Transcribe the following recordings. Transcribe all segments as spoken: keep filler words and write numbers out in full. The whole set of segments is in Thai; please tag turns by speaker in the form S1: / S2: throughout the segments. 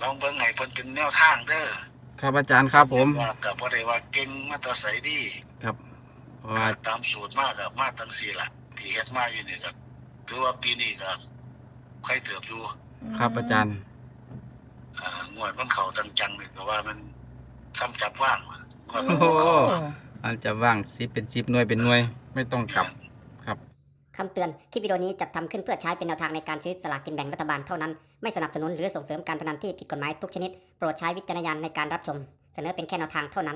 S1: ลองเบิ่งให้เพิ่นเป็นแนวทางเด้อ
S2: ครับอาจารย์ครับผม
S1: ว่าก็บ่ได้ว่าเก่งมาแต่ไสดี
S2: ครับว่า
S1: ตามสูตรมาก็มาจังซี่ล่ะที่เฮ็ดมาอยู่นี่ก็ถือว่าปีนี้ก็ใครเติบอยู่
S2: ครับอาจารย์
S1: อ่างวดมันเข้าจังๆนี่ก็ว่ามันซ้ำจับว่างงวด
S2: โอ้โหอันจะว่างสิเป็นสิบหน่วยเป็นหน่วยไม่ต้องกลับครับ
S3: คำเตือน คลิปวิดีโอนี้จัดทำขึ้นเพื่อใช้เป็นแนวทางในการซื้อสลากกินแบ่งรัฐบาลเท่านั้น ไม่สนับสนุนหรือส่งเสริมการพนันที่ผิดกฎหมายทุกชนิด โปรดใช้วิจารณญาณในการรับชม เสนอเป็นแค่แนวทางเท่านั้น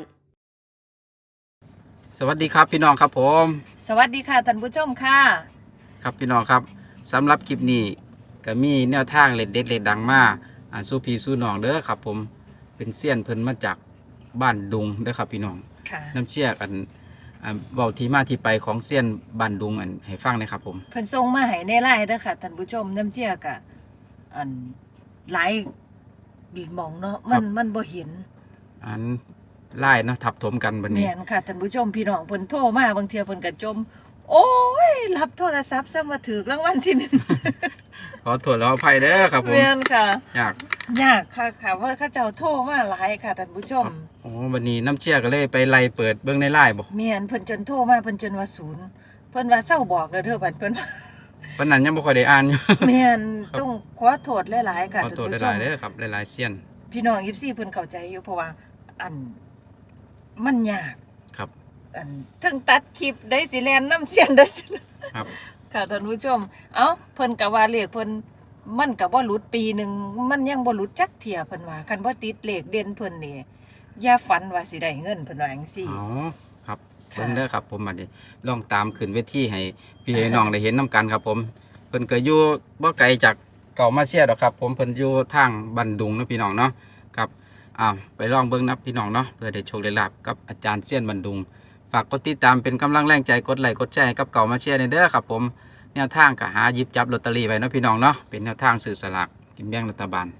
S2: สวัสดีครับพี่น้องครับผม
S4: สวัสดีค่ะท่านผู้ชมค่ะ
S2: ครับพี่น้องครับสำหรับคลิปนี้ก็มีแนวทางเล็ดเด็ดเล็ดดังมาอ่าสู้พี่สู้น้องเด้อครับผมเป็นเซียนเพิ่นมาจากบ้านดุงเด้อครับพี่น้องน้ำเชี่ยกันอ่าเว้าที่มาที่ไปของเซียนบ้านดุงอันให้ฟังนะครับผม
S4: เพิ่นส่งมาให้ในไลน์เด้อค่ะท่านผู้ชมน้ำเชี่ยกะอันหลายหม่องเนาะมันมันบ่เห็น
S2: อันไล่เนาะทับถมกันบัดนี้
S4: แม่นค่ะท่านผู้ชมพี่น้องเพิ่นโทรมาบางเที่ยเพิ่นก็จมโอ้ยรับโทรศัพท์ซะมาถูกรางวัลที่หนึ่ง
S2: ขอโทษแล้วอภัยเด้อครับผม
S4: แม่นค่ะ
S2: ยาก
S4: ยากค่ะค่ะว่าเขาเจ้าโทรมาหลายค่ะท่านผู้ชม
S2: โอ้วันนี้น้ำเชี่ยก็เลยไปไล่เปิดเบิ่งในไลน์บ่
S4: แม่นเพิ่นจนโทรมาเพิ่นจนว่าศูนย์เพิ่นว่าเซาบอกแล้วเด้อบัดเพิ่น
S2: ปานนั้นยังบ่ค่อยได้อ่านอยู่
S4: แม่นต้องขอโทษหลายๆค่ะ
S2: ท่านผู้ชมขอโทษหลายๆเด้อครับหลายๆเซียน
S4: พี่น้อง เอฟ ซี เพิ่นเข้าใจอยู่เพราะว่าอันมันยาก
S2: ครับ
S4: อันถึงตัดคลิปได้สิแลนน้ำเสียนได้สิ
S2: ครับ
S4: ค่ะท่านผู้ชมเอ้าเพิ่นก็ว่าเลขเพิ่นมันก็บ่หลุดปีนึงมันยังบ่หลุดจักเที่ยเพิ่นว่าคันบ่ติดเลขเด่นเพิ่นนี่อย่าฝันว่าสิได้เงินเพิ่นว่าจังซี่
S2: อ๋อครับเพิ่นเด้อครับผมบัดนี้ลองตามขึ้นเวทีให้พี่น้องได้เห็นนํกันครับผมเพิ่นก็อยู่บ่ไกลจากเก่ามาเชียดอกครับผมเพิ่นอยู่ทางบันดุงเนาะพี่น้องเนาะครับอ้าวไปลองเบิ่งนะพี่น้องเนาะเพื่อได้โชคได้ลาภกับอาจารย์เซียนบันดุงฝากกดติดตามเป็นกำลังแรงใจกดไลค์กดแชร์ให้กับเก่ามาเชียร์เด้อครับผมแนวทางก็หาหยิบจับลอตเตอรี่ไว้เนาะพี่น้องเนาะเป็นแนวทางซื้อสลากกินแบ่งรัฐบาล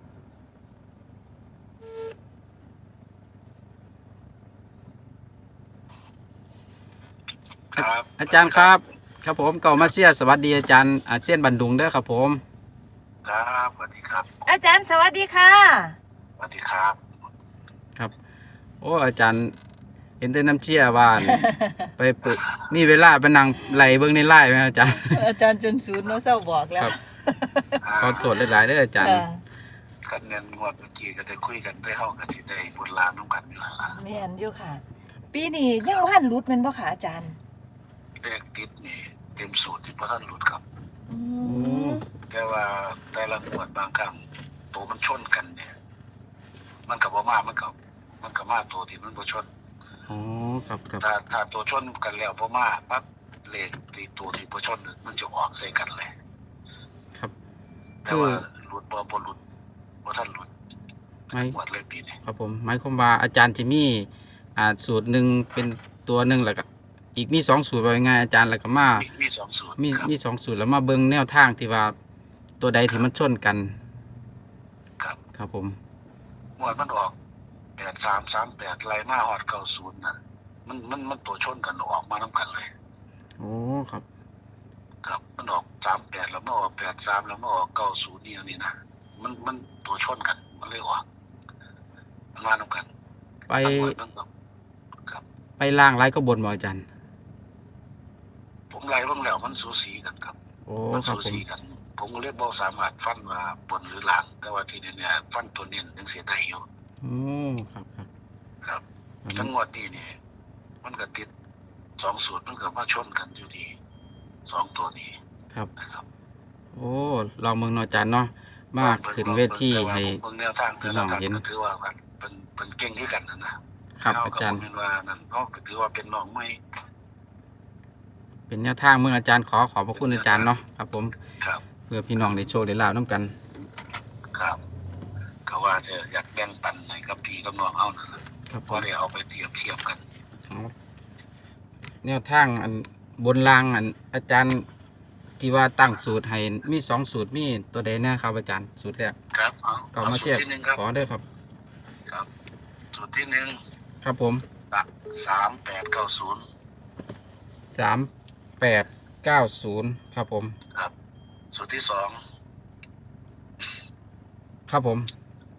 S1: ครับ
S2: อาจารย์ครับครับผมเก่ามาเชียร์สวัสดีอาจารย์อาเซียนบันดุงเด้อครับผม
S1: ครับสวัสดีครับ
S4: อาจารย์สวัสดีค่ะ
S1: สวัสดีครับ
S2: ครับโอ้อาจารย์เห็นแต่น้ำเชี่ยว่าไปเปิดนี่เวลาไปนั่งไหลเบิ่งในไลน์ไหมอาจารย์
S4: อาจารย์จนศูนย์เนาะเศร้าบอกแล้ว
S2: ขอโทษหลายๆเด้ออาจารย์
S1: กันเงินงวดเมื่อกี้ก็ได้คุยกันได้ห้องกันสิได้บุญลานน้องกันอยู่แล้วล่ะ
S4: แม่นอยู่ค่ะปีนี้ยังบ่ทันหลุดแม่นบ่ค่ะอาจารย์
S1: เลขติดนี่เต็มสูตรที่บ่ทันหลุดครับ
S4: อืม
S1: แต่ว่าแต่ละงวดบางครั้งตัวมันชนกันเนี่ยมันก็บ่มามันก็มันก็มาตัวที่มันบ่ชน
S2: อ๋อครับครับ
S1: ถ้าถ้าตัวชนกันแล้วบ่มาปั๊บเลขที่ตัวที่บ่ชนมันจะออกใส่กันเลย
S2: ครับ
S1: แต่ว่าหลุดบ่บ่หลุดบ่ทันหลุด
S2: ไม่
S1: หมดเลยปีนี้
S2: ครับผมหมายความว่าอาจารย์จะมีอ่าสูตรหนึ่งเป็นตัวหนึ่งแล้วก็อีกมีสองสูตรว่าไงอาจารย์แล้วก็มา
S1: มีสองสูตร
S2: มีมีสองสูตรแล้วมาเบิ่งแนวทางที่ว่าตัวใดที่มันชนกัน
S1: ครับ
S2: ครับผม
S1: หมวดมันออกแปดสามสามแปดไล่มาฮอดเก้าศูนย์น่ะมันมันมันตัวชนกันออกมานำกันเลย
S2: โอ้ครับ
S1: ครับมันออกสามแปดแล้วมาออกแปดสามแล้วมาออกเก้าศูนย์นี่อันนี้นะมันมันตัวชนกันมันเลยออกมันมานำกัน
S2: ไป
S1: ครับ
S2: ไปล่างไล่ก็บนบ่อาจารย์
S1: ผมไล่เบิ่งแล้วมันสูสีกันครับ
S2: โอ้
S1: มัน
S2: ครับ
S1: สูสีกันผมก็เลยบ่สามารถฟันว่าบนหรือล่างแต่ว่าทีนี้เนี่ยฟันตัวเน้นยังเสียได้อยู่
S2: โอ้ครับครับ
S1: ครับทั้งงวดนี้นี่มันก็ติดสองสูตรมันก็มาชนกันอยู่ที่สองตัวนี้
S2: ครับ
S1: นะครับ
S2: โอ้ลองเมืองนอจานเนาะมากขึ้นเวทีให้
S1: แนวทางแต่ละทางก็ถือว่ากันเป็นเป็นเก่งด้วยกันนะครับ
S2: อาจารย์
S1: เป็นว่านั่นเขาก็ถือว่าเป็นน้องใหม่
S2: เป็นแนวทางเมืองอาจารย์ขอขอบพระคุณอาจารย์เนาะครับผม
S1: ครับ
S2: เพื่อพี่น้องได้โชว์ได้ลาบน้ำกัน
S1: ครับเขาว่าจะอยากแบ่งปันให้กับพี่กับน้องเอานั่นแหละพอได้เอาไปเทียบเทียบกัน
S2: แนวทางอันบนรางอันอาจารย์ที่ว่าตั้งสูตรให้มีสองสูตรมีตัวใดแน่ครับอาจารย์สูตรแรก
S1: ครับ
S2: เอามาเชียร์ขอได้ครับ
S1: ครับสูตรที่หนึ่ง
S2: ครับผม
S1: สามแปดเก้าศูนย์
S2: สามแปดเก้าศูนย์ครับผม
S1: ครับสูตรที่สอง
S2: ครับผม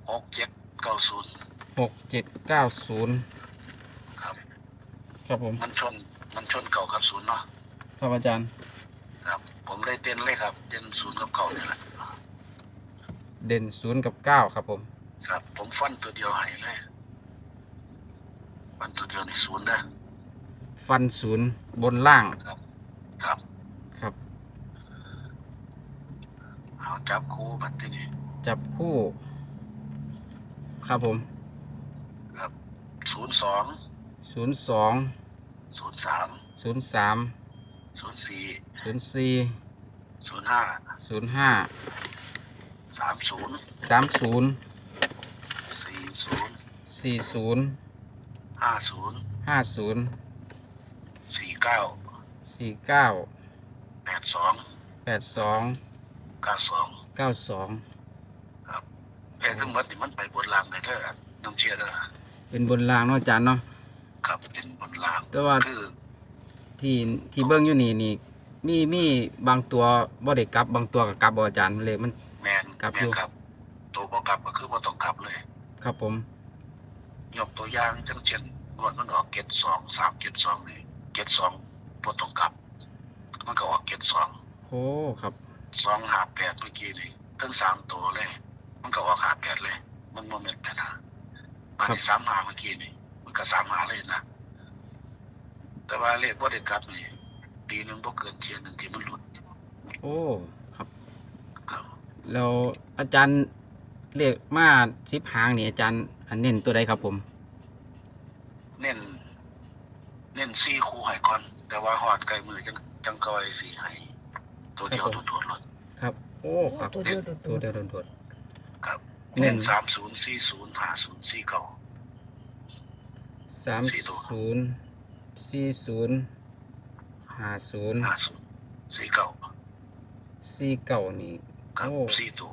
S1: หกเจ็ดเก้าศูนย์
S2: หกเจ็ดเก้าศูนย์
S1: ครับ
S2: ครับผม
S1: มันชนมันชนเก่ากับศูนย์เนาะ
S2: ครับอาจารย์
S1: ครับ ผมเลยเต้นเลยครับเต้นศูนย์กับเก่านี่แหละ
S2: เด่นศูนย์กับเก้าครับผม
S1: ครับ ผมฟันตัวเดียวให้เลยฟันตัวเดียวในศูนย์นะ
S2: ฟันศูนย์บนล่าง
S1: ครับครับ
S2: ครับ
S1: เอาจับคู่บัดทีนี้
S2: จับคู่ ครับผม
S1: ครับศูนย์สอง
S2: ศูนย์สอง
S1: ศูนย์สาม
S2: ศูนย์สาม
S1: ศูนย์สี่
S2: ศูนย์สี่
S1: ศูนย์ห้า
S2: ศูนย์ห้า
S1: สามศูนย์
S2: สามศูนย์
S1: สี่ศูนย์
S2: สี่ศูนย์
S1: ห้าศูนย์
S2: ห้าศูนย์
S1: สี่เก้า
S2: สี่เก้า
S1: แปดสอง
S2: แปดสอง
S1: เก้าสอง
S2: เก้าสอง
S1: ครับเลขทั้งหมดนี่มันไปบนรางได้เด้อน้ำเชียร์เด้อ
S2: เป็นบนล่างเนาะอาจารย์เนาะ
S1: ครับเป็นบนราง
S2: แต่ว่า
S1: คือ
S2: ที่ที่เบิ้งอยู่นี่นี่มีมีบางตัวบ่ได้กลับบางตัวกับกลับบ่อาจารย์เลขมัน
S1: แมน
S2: ครับ
S1: แม
S2: อยู่
S1: นครับตัวบ่กลับก็คือบ่ต้องกลับเลย
S2: ครับผม
S1: ยกตัวอย่างจังเช่นงวดมันออกเกตสองสามเกตสองนี่เกตสองบ่ต้องกลับ มันก็ออกเกตสอง
S2: โอ้ครับ
S1: สองห้าแปดเมื่อกี้นี่ทั้งสามตัวเลย มันก็ออกห้าแปดเลย มันโมเมนต์แต่นะบานนี้สามหาเมื่อกี้นี่มันก็สามหาเลยนะแต่ว่าเลขบ่ได้กลับนี่ปีหนึงบ่เกินเทียนหนึ่งที่มันหลุด
S2: โอ้ครับ
S1: ครับ
S2: แล้วอาจารย์เลขมาสิบหางนี่อาจารย์อันเน้นตัวใดครับผม
S1: เน้นเน้นสี่คู่ให้ก่อน แต่ว่าหอดไกลมือจังจังก้อยสี่ให้ตัวเดียว
S2: ครับผม
S1: โดดๆเลย
S2: ครับ โอ้ครับ
S4: ตัวเดียวโดด
S2: ตัวเดียวโดด
S1: ครับ
S2: เน้
S1: เน้
S2: น
S1: นสามศูนย์สี่ศูนย์ห้าศูนย์สี่เก้า
S2: ๆสาม
S1: สี่ตัว
S2: ศูนย์สี่ศูนย์ห้าศูนย์
S1: ห้าศูนย์สี่เก้า
S2: สี่เก้านี่
S1: ครับ
S2: โอ้
S1: สี่ตัว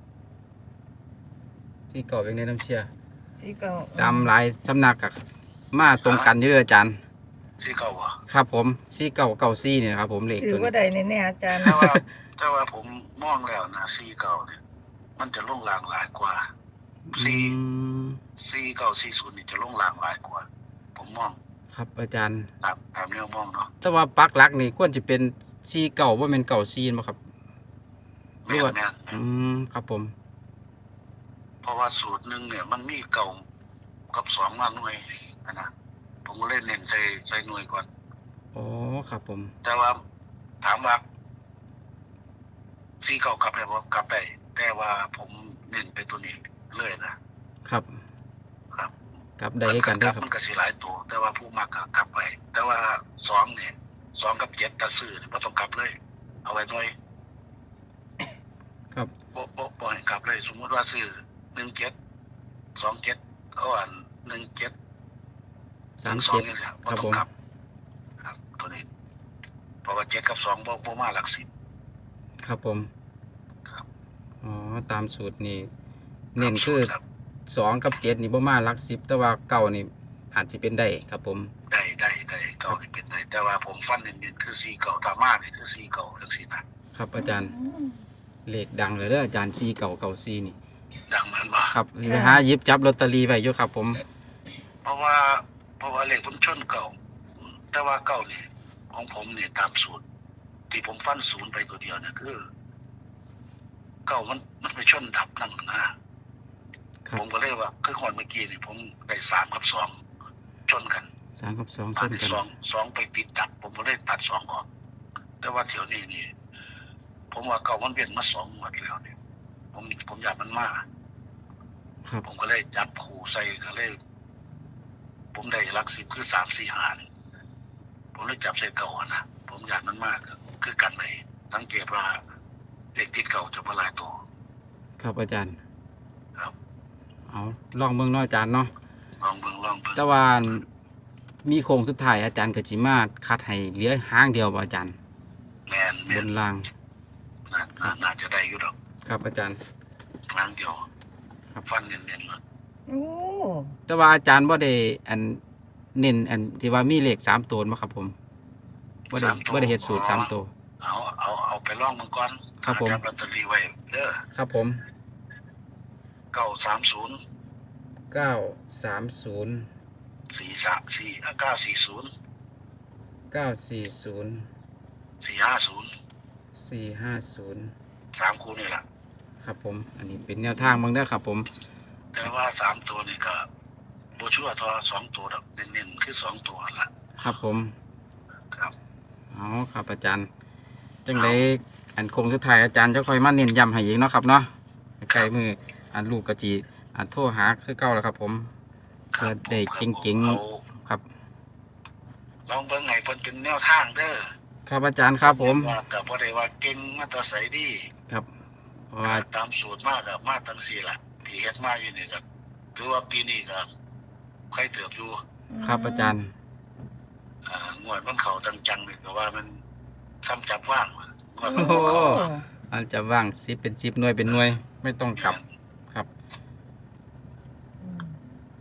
S2: สี่เก้าเป็นในน้ำเชีย
S4: สีเก่า
S2: ตามหลายสำนักกับมาตรงกันอยู่เด้ออาจารย์
S1: สี่เก้าวะ
S2: ครับผมสี่เก้าเก้าสี่เนี่ยครับผมเลข
S4: สื่อ
S2: ตัว
S4: ว่า
S2: นี้
S4: ใดแน่ๆอาจารย์
S1: แต่ว่าแต่ว่าผมมองแล้วนะสี่เก้าเนี่ยมันจะลงรางหลายกว่า
S2: อื
S1: สี่
S2: ม
S1: สี่เก้าสี่ศูนย์นี่จะลงรางหลายกว่า ผมมอง
S2: ครับอาจารย์
S1: ตามตามแนวมองเนาะ
S2: แต่ว่าปักหลักนี่ควรจะเป็นสี่เก่าว่าเป็นเก่าซีนบ่ครับ
S1: แม่นแม่น
S2: อืมครับผม
S1: เพราะว่าสูตรหนึ่งเนี่ยมันมีเก่ากับสองมาหน่วยนะนะผมก็เล่นเน้นใส่ใส่หน่วยก่อน
S2: อ๋อครับผม
S1: แต่ว่าถามว่าสี่เก่ากลับได้บ่กลับได้แต่ว่าผมเน้นไปตัวนี้เลยนะครับ ครับ
S2: กลับได้ให้กันเด้วยครับ
S1: มันก็สิหลายตัว แต่ว่าผู้มักก็กลับไป แต่ว่าสองเนี่ยสองกับเจ็ดตะซื้อเนี่ยบ่ต้องกลับเลย เอาไว้หน่อย
S2: ครับ
S1: บ่บ่บ่ให้กลับเลย สมมุติว่าซื้อหนึ่งเจ็ดสองเจ็ดเขาอ่านหนึ่งเจ็ด
S2: สาม
S1: สอง
S2: เจ็ด
S1: นี่สิ
S2: ครับ
S1: บ่ต้อ
S2: ผ
S1: ง
S2: ม
S1: กลับ ครับ ตัวนี้เพราะว่าเจ็ดกับสองบ่บ่มาหลักสิบ
S2: ครับผม
S1: ครับ
S2: อ๋อตามสูตรนี่เน้นคือ
S1: ครับ
S2: สองกับเจ็ดนี่บ่มาหลักสิบแต่ว่าเก่านี่อาจจะเป็นได้ครับผม
S1: ได้ได้ได้เก่านี่เป็นได้แต่ว่าผมฟันเน้นๆคือสี่เก่าถ้ามานี่คือสี่เก่าจังซี่นะครับ
S2: อาจารย์เลขดังเลยเด้ออาจารย์ซีเก่าเก่าซีนี่
S1: ดังมันบ่
S2: ครับไปหาหยิบจับลอตเตอรี่ไว้อยู่ครับผม
S1: เพราะว่า เพราะว่าเลขผมชนเก่า แต่ว่าเก่านี่ของผมนี่ตามสูตร ที่ผมฟันศูนย์ไปตัวเดียวเนี่ยคือ เก่ามันมันไปชนดับนั่นนะครับ ผมก็เลยว่าคือคนเมื่อกี้นี่ผมได้สามกับสองชนกัน
S2: สามกับสองช
S1: อัน
S2: น
S1: ที่
S2: กัน
S1: สองสองไปติดดับ ผมก็เลยตัดสองออก แต่ว่าเที่ยวนี้นี่ ผมว่าเก่ามันเปลี่ยนมาสองหมดแล้วเนี่ยผมผมอยากมันมา
S2: ครับ
S1: ผมก็เลยจับคู่ใส่ก็เลย ผมได้หลักสิบคือสามสี่ห้านี่ผมเลยจับใส่เก่าอะนะผมอยากมันมากคือกันเลยสังเกตว่าเด็กติดเก่าจะมาหลายตัว
S2: ครับอาจารย์
S1: ครับ
S2: เอาลองเบิ่งเนาะอาจารย์เนาะ
S1: ลองเบิ่งลองเบิ่ง
S2: แต่ว่ามีโครงสุดท้ายอาจารย์ก็สิมาคัดให้เหลือหางเดียวบ่อาจารย์
S1: แมนแม
S2: บ
S1: น
S2: นล่าง
S1: น่าน่าน่าจะได้อยู่ดอก
S2: ครับอาจารย์
S1: ครั้งเดียว
S2: ครับ
S1: ฟันเน้นๆเลย
S4: โอ้
S2: แต่ว่าอาจารย์บ่ได้อันเน้นอันที่ว่ามีเลขสามตัวบ่ครับผมบ่ได้บ่ได้เฮ็ดสูตรสามตัว
S1: เอาเอาเอาไปลองมันก่อน
S2: ครับผม
S1: จับลอตเตอรี่ไว้เด้อ
S2: ครับผม
S1: เก้าก้าสามศูนย์
S2: เก้าสามศูนย์
S1: สี่สามสี่เก้าสี่ศูนย์
S2: เก้าสี่ศูนย์
S1: สี่ห้าศูนย์
S2: สี่ห้าศูนย์
S1: สามคู่นี่แหละ
S2: ครับผมอันนี้เป็นแนวทางเบิ่งเด้อครับผม
S1: แต่ว่าสามตัวนี่ก็บ่ชัวร์เทอสองตัวดอกเน้นๆคือสองตัวนั่นล่ะ
S2: ครับผม
S1: ครับ
S2: เอาครับอาจารย์จังไดอันคงสุดท้ายอาจารย์จะค่อยมาเน้นย้ำให้อีกเนาะครับเนาะใกล้มืออันลูกกะจีอันโทรหาคือเก่าแล้วครับผม
S1: ครั
S2: เพื่อได้
S1: ผม
S2: เก่งๆ
S1: อา
S2: ครับ
S1: ลองเบิ่งให้เพิ่นเป็นแนวทางเด้อ
S2: ครับอาจารย์ครับผม
S1: ว่าก็บ่ได้ว่าเก่งมาแตอไสดี
S2: ครับเพราะว่า
S1: ตามสูตรมากกับมาตั้งสี่ล่ะ ที่เฮ็ดมาอยู่นี่ก็ถือว่าปีนี้ก็ใครเติบอยู่
S2: ครับอาจารย์
S1: อ่างวดมันเข้าจังจังนี่ก็ว่ามันซ้ำจับว่างงวด
S2: โอ้
S1: มัน
S2: โห
S1: บ่เข้า
S2: อันจะว่างสิเป็นสิบหน่วยเป็นหน่วย ไม่ต้องกลับครับ
S4: อืม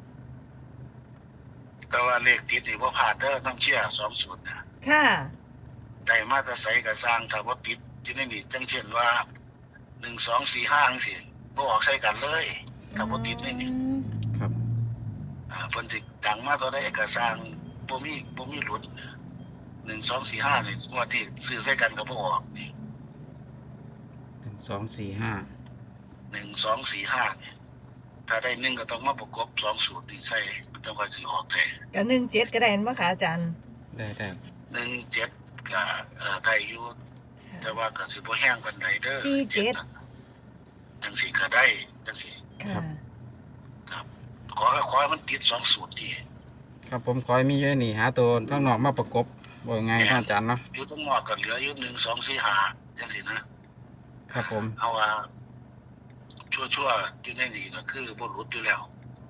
S1: แต่ว่าเลขติดนี่บ่พลาดเด้อต้องเชื่อสองสูตรนะ
S4: ค่ะ
S1: ได้มาแต่ไสก็สร้างถ้าบ่ติดอยู่ในนี่จังเช่นว่าหนึ่ง สอง สี่ ห้าจังซี่บ่ออกใส่กันเลยถ้าบ่ติดในนี่
S2: ครับ
S1: อ่าเพิ่นสิดังมาเท่าใดก็สร้างบ่มีบ่มีหลุดหนึ่ง สอง สี่ ห้านี่งวดที่ซื้อใส่กันก็บ่ออกนี่
S2: หนึ่งสองสี่ห้า
S1: หนึ่ง สอง สี่ ห้านี่ถ้าได้หนึ่งก็ต้องมาประกบสองสูตรนี่ใส่มันต้องว่าสิออกได้
S4: ก็หนึ่งเจ็ดก็ได้เห็นบ่คะอาจารย์
S2: ได้ได้
S1: หนึ่ง เจ็ดก็เอ่อได้อยู่แต่ว่าก็สิบ่แห้งปานใดเด้อ
S4: สี่เจ็ด
S1: น่ะจังซี่ก็ได้จังซี่
S4: ค่ะ
S1: ครับขอให้ขอให้มันติดสองสูตรนี่
S2: ครับผมขอให้มีอยู่ในนี่หาตัวข้างนอกมาประกบบ่ไงท่านอาจารย์เนาะ
S1: อยู่ตรงนอกก็เหลืออยู่หนึ่ง สอง สี่ ห้าจังซี่นะครับ
S2: ผม
S1: เอาว่าชั่วๆอยู่ในนี่ก็คือบ่หลุดอยู่แล้ว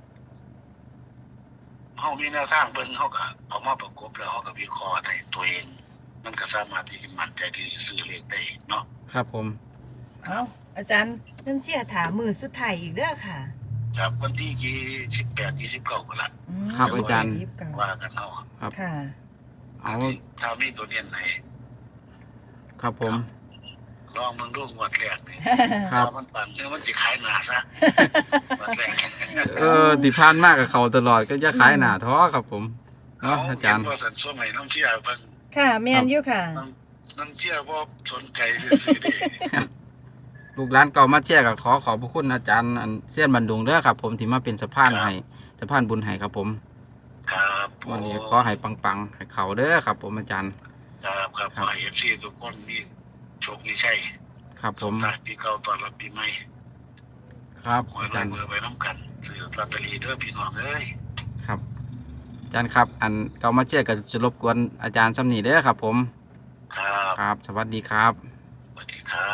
S1: เฮามีแนวทางเบิ่งเฮาก็เอามาประกบแล้วเฮาก็วิเคราะห์ได้ตัวเอง มันก็สามารถที่จะมั่นใจที่จะซื้อเลขได้เนาะ
S2: ครับผม
S4: เอาอาจารย์น้ำเชี่ยถามมือสุดท้ายอีกเด้อค่ะ
S1: ครับวันที่ยี่สิบแปด ยี่สิบเก้าก็ละ
S4: อืม
S2: ครับอาจารย์
S4: ยี่สิบเก้า
S1: ว่ากันเนาะ
S2: ครับ
S4: ค่ะ
S2: เอา
S1: ถ้ามีตัวเรียนไหน
S2: ครับผม
S1: ลองมึงดูงวดแรกนี่
S2: ครับ
S1: ว่ามันปังเนื้อมันสิขายหนาซะงวดแรก
S2: เออที่ผ่านมากกับเขาตลอดก็จะขายหนาท้อครับผมเนาะอาจารย์
S1: เห็นว่าสันส่วนไหนน้ำเชี่ยเพิ่น
S4: ค่ะแม่นอยู่ค่ะ
S1: น้ำน้ำเชี่ยบ่สนใจซื้อๆเด้
S2: ลูกร้านเก่ามาเชียร์กับขอขอบพระคุณอาจารย์อันเสี้ยนบันดุงเด้อครับ ผมที่มาเป็นสะพานให้สะพานบุญให้ครับผม
S1: ครับผม
S2: วันนี้ขอให้ปังๆให้เขาเด้อครับ ผมอาจารย์
S1: ครับครับ
S2: ครับ
S1: ขอให้ เอฟ ซี ทุกคนมีโชคมีชัย
S2: ครับผม
S1: สุขภาพปีเก่าต้อนรับปีใหม่
S2: ครับ
S1: หวย
S2: อาจารย์
S1: รวยไปน้ำกันซื้อลอตเตอรี่เด้อพี่น้องเอ้ย
S2: ครับอาจารย์ครับ อันเก่ามาเชียร์ก็จะรบกวนอาจารย์ซ้ำนี่เด้อครับ ผม
S1: ครับ
S2: ครับ สวัสดีครับ
S1: สวัสดีครับ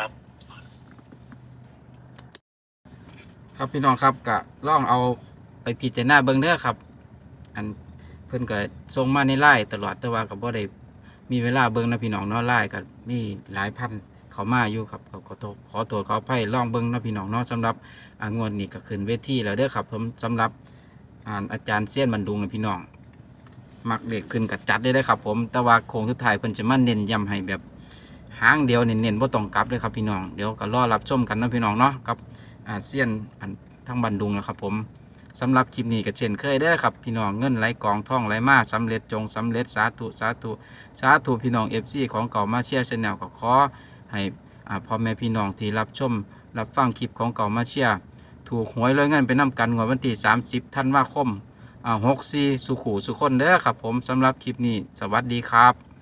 S2: ครับพี่น้องครับก็ลองเอาไปพิจารณาเบิ่งเด้อครับ อันเพิ่นก็ส่งมาในไลน์ตลอดแต่ว่าก็บ่ได้มีเวลาเบิ่งนะพี่น้องเนาะไลน์ก็มีหลายพันเข้ามาอยู่ครับก็ขอโทษขอโทษขออภัยลองเบิ่งนะพี่น้องเนาะสำหรับอ่างวดนี้ก็ขึ้นเวทีแล้วเด้อครับผมสำหรับอ่าอาจารย์เซียนบันดุงนะพี่น้องมักเด็กขึ้นกับจัดได้เลยครับ ผมแต่ว่าโค้งสุดท้ายเพิ่นจะมาเน้นย้ำให้แบบหางเดียวเน้นๆบ่ต้องกลับเลยครับพี่น้องเดี๋ยวก็รอรับชมกันนะพี่น้องเนาะกับอาเซียนอันทั้งบันดุงนะครับผมสำหรับคลิปนี้ก็เช่นเคยเด้อครับพี่น้องเงินไหลกองท่องไหลมาสำเร็จจงสำเร็จสาธุสาธุสาธุพี่น้อง เอฟ ซี ของเก่ามาเชียร์ชาแนลก็ขอให้อ่าพ่อแม่พี่น้องที่รับชมรับฟังคลิปของเก่ามาเชียร์ถูกหวยรวยเงินไปนํกันงวดวันที่สามสิบธันวาคมอ่าหกสี่สุขูสุคนเด้อครับผมสำหรับคลิปนี้สวัสดีครับ